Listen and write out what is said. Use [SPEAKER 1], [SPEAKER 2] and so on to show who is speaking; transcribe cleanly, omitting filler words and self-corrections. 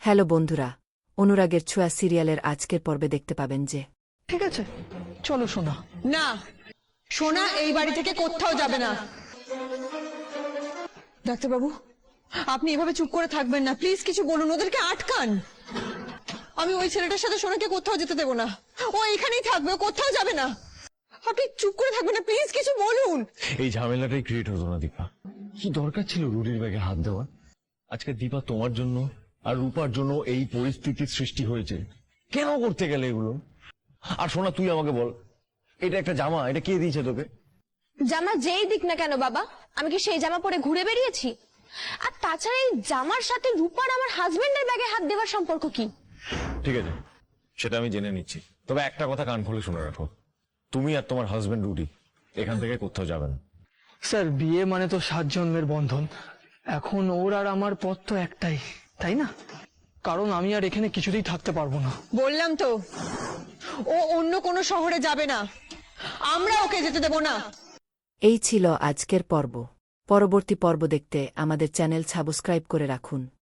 [SPEAKER 1] Hello বন্ধুরা, অনুরাগের ছোঁয়া সিরিয়ালের আজকের পর্বে দেখতে পাবেন যে
[SPEAKER 2] ঠিক আছে, চলো সোনা।
[SPEAKER 3] না, সোনা এই বাড়ি থেকে কোথাও যাবে না। ডাক্তারবাবু, আপনি এভাবে চুপ করে থাকবেন না, প্লিজ কিছু বলুন, ওদেরকে আটকান। আমি ওই ছেলেটার সাথে সোনাকে কোথাও যেতে দেবো না, ও এখানেই থাকবে, ও কোথাও যাবে না। আপনি চুপ করে থাকবেন না, প্লিজ কিছু বলুন।
[SPEAKER 4] এই ঝামেলাটাই ক্রিয়েট হতো না দীপা। কি দরকার ছিল রুডির ব্যাগে হাত দেওয়ার? আজকে দীপা তোমার জন্য আর রূপার জন্য এই পরিস্থিতির সৃষ্টি হয়েছে। কেন করতে গেলে এগুলো? আর শোনা, তুই আমাকে বল, এটা একটা জামা, এটা কে দিয়েছে তোকে?
[SPEAKER 5] জামা যেই দিক না কেন বাবা, আমি কি সেই জামা পরে ঘুরে বেরিয়েছি? আর তাছাড়া এই জামার সাথে রূপার আমার হাজবেন্ডের ব্যাগে হাত দেওয়ার সম্পর্ক কি?
[SPEAKER 4] ঠিক আছে, সেটা আমি জেনে নিচ্ছি। তবে একটা কথা কান খুলে শুনে রাখো, তুমি আর তোমার হাজবেন্ড রুডি এখান থেকে কোথাও যাবে না।
[SPEAKER 2] স্যার, বিয়ে মানে তো 7 জন্মের বন্ধন। এখন ওর আর আমার পথ তো একটাই, তাই না? কারণ আমি আর এখানে কিছুতেই থাকতে পারবো না।
[SPEAKER 3] বললাম তো, ও অন্য কোনো শহরে যাবে না, আমরা ওকে যেতে দেব না।
[SPEAKER 1] এই ছিল আজকের পর্ব। পরবর্তী পর্ব দেখতে আমাদের চ্যানেল সাবস্ক্রাইব করে রাখুন।